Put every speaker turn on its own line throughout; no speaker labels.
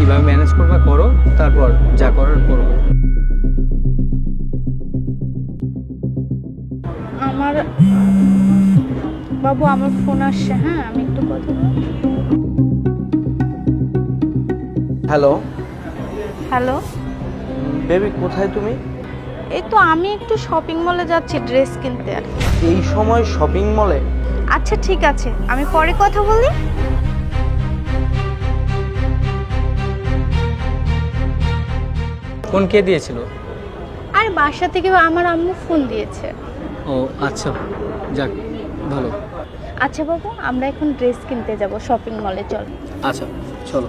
কিভাবে ম্যানেজ করবা করো, তারপর যা করার করো।
আমার বাবু, আমার ফোন আসছে, হ্যাঁ আমি একটু কথা বলবো।
হ্যালো
হ্যালো,
বেবি, কোথায় তুমি?
এই তো আমি একটু শপিং মলে যাচ্ছি ড্রেস কিনতে আর কি।
এই সময় শপিং মলে?
আচ্ছা ঠিক আছে, আমি পরে কথা বলি।
ফোন কে দিয়েছিল?
আর বাসা থেকে আমার আম্মু ফোন দিয়েছে।
ও আচ্ছা, যাক ভালো।
আচ্ছা বাবু, আমরা এখন ড্রেস কিনতে যাব শপিং মলে, চল।
আচ্ছা চলো।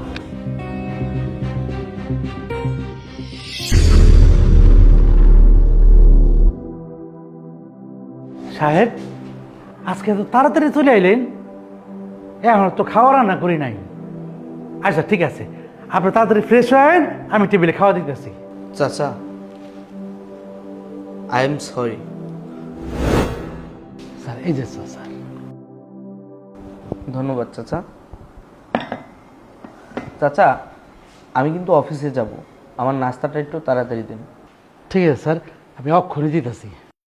সাহেব, আজকে তো তাড়াতাড়ি চলে আইলেন। এখন তো খাওয়া রান্না করি নাই। আচ্ছা ঠিক আছে, আপনি তাড়াতাড়ি ফ্রেশ হয়েন, আমি টেবিলে খাওয়া দিতেছি।
চাচা, আই এম সরি।
স্যার এই যে স্যার।
ধন্যবাদ চাচা। চাচা, আমি কিন্তু অফিসে যাব, আমার নাস্তাটা একটু তাড়াতাড়ি দিন।
ঠিক আছে স্যার, আমি অক্ষরে দিতেছি।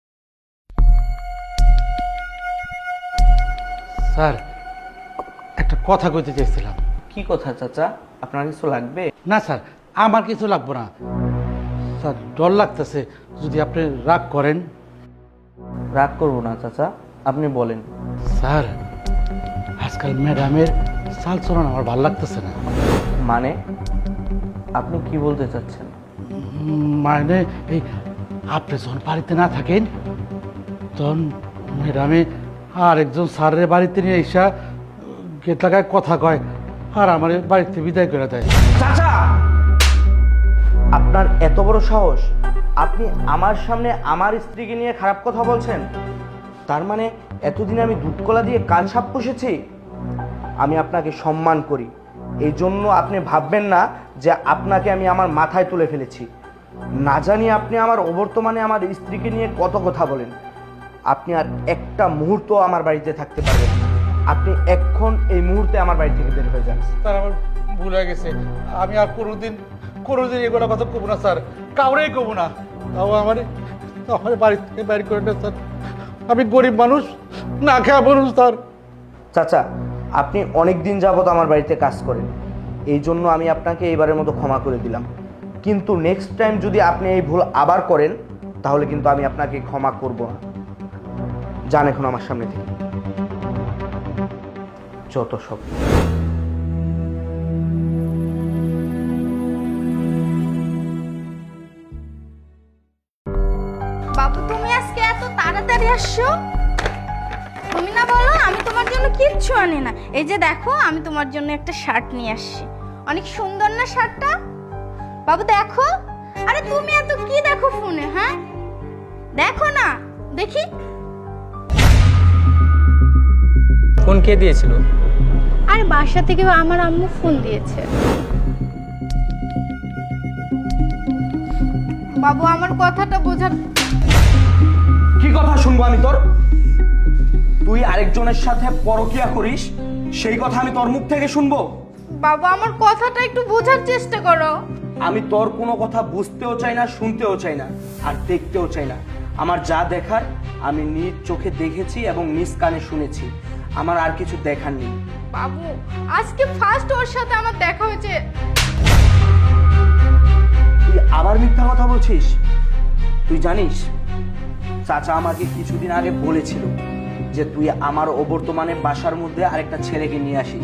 স্যার, একটা কথা কইতে চাইছিলাম।
কি কথা চাচা? আপনার কিছু লাগবে?
না স্যার, আমার কিছু লাগবে না। স্যার ডর লাগতেছে যদি আপনি রাগ করেন।
রাগ করবো না চাচা, আপনি বলেন।
স্যার, আজকাল ম্যাডামের চাল চলন আমার ভালো লাগতেছে না।
মানে আপনি কি বলতে চাচ্ছেন?
মানে এই আপনি যখন বাড়িতে না থাকেন তখন ম্যাডামে আর একজন স্যারের বাড়িতে নিয়ে এসা গেট লাগায় কথা কয় আর আমার বাড়িতে বিদায় করে দেয়।
চাচা, আপনার এত বড় সাহস! আপনি আমার সামনে আমার স্ত্রীকে নিয়ে খারাপ কথা বলছেন? তার মানে এতদিন আমি দুধ কলা দিয়ে কাল সাপ পুষেছি? আমি আপনাকে সম্মান করি, এই জন্য আপনি ভাববেন না যে আপনাকে আমি আমার মাথায় তুলে ফেলেছি। না জানি আপনি আমার অবর্তমানে আমার স্ত্রীকে নিয়ে কত কথা বলেন। আপনি আর একটা মুহূর্ত আমার বাড়িতে থাকতে পারবেন না। আপনি এক্ষণ এই মুহূর্তে আমার বাড়ি থেকে বের হয়ে যান।
স্যার আমার ভুল হয়ে গেছে, আমি আর কোনোদিন এগুলো কথা কব না স্যার, কাউরেই কব না। তাও আমার বাড়ি থেকে বাইর করে না স্যার, আমি গরিব মানুষ, না খেয়া মানুষ স্যার।
চাচা, আপনি অনেক দিন যাবত আমার বাড়িতে কাজ করেন, এই জন্য আমি আপনাকে এইবারের মতো ক্ষমা করে দিলাম। কিন্তু নেক্সট টাইম যদি আপনি এই ভুল আবার করেন তাহলে কিন্তু আমি আপনাকে ক্ষমা করব না। যান এখন আমার সামনে থেকে, যত সব।
বাবু, তুমি আজকে এত তাড়াতাড়ি আসছো? তুমি না বলো আমি তোমার জন্য কিচ্ছু আনি না। এই যে দেখো, আমি তোমার জন্য একটা শার্ট নিয়ে আসছি। অনেক সুন্দর না শার্টটা? বাবু দেখো। আরে তুমি এত কি দেখো ফোনে? হ্যাঁ দেখো না, দেখি।
ফোন কে দিয়েছিল?
আর বাসা থেকে আমার আম্মু ফোন দিয়েছে। বাবু, আমার কথাটা বোঝার।
কি কথা শুনবো আমি তোর? তুই আরেকজনের সাথে পরকিয়া করিস, সেই কথা আমি তোর মুখ থেকে শুনবো?
বাবু, আমার কথাটা একটু বোঝার চেষ্টা করো।
আমি তোর কোনো কথা বুঝতেও চাই না, শুনতেও চাই না, আর দেখতেও চাই না। আমার যা দেখার আমি নিজ চোখে দেখেছি এবং নিজ কানে শুনেছি, আমার আর কিছু দেখার নেই।
বাবু, আজকে ফার্স্ট ওর সাথে আমার দেখা হয়েছে।
তুই আবার মিথ্যা কথা বলছিস? তুই জানিস চাচা আমাকে কিছুদিন আগে বলেছিল যে তুই আমার অবর্তমানে বাসার মধ্যে আরেকটা ছেলেকে নিয়ে আসিস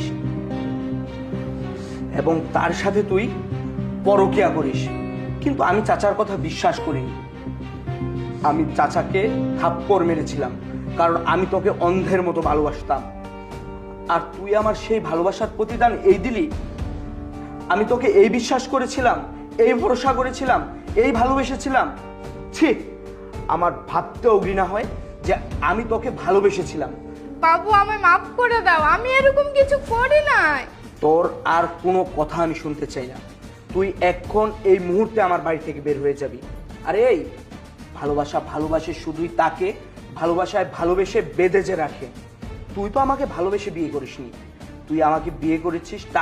এবং তার সাথে তুই পরকিয়া করিস, কিন্তু আমি চাচার কথা বিশ্বাস করিনি। আমি চাচাকে থাপ্পড় মেরেছিলাম, কারণ আমি তোকে অন্ধের মতো ভালোবাসতাম, আর তুই আমার সেই ভালোবাসার প্রতিদান এই দিলি। আমি তোকে এই বিশ্বাস করেছিলাম, এই ভরসা করেছিলাম, এই ভালোবেসেছিলাম। ছি, আমার ভাবতেও ঘৃণা হয় যে আমি তোকে ভালোবেসেছিলাম।
বাবু, আমায় মাফ করে দাও, আমি এরকম কিছু করি নাই।
তোর আর কোনো কথা আমি শুনতে চাই না। তুই এখন এই মুহূর্তে আমার বাড়ি থেকে বের হয়ে যাবি। আরে এই ভালোবাসা ভালোবাসে শুধুই তাকে ভালোবাসায় ভালোবেসে বেঁধে যে রাখে। তুই তো আমাকে ভালোবেসে বিয়ে করিসনি, তুই আমাকে বিয়ে করেছিস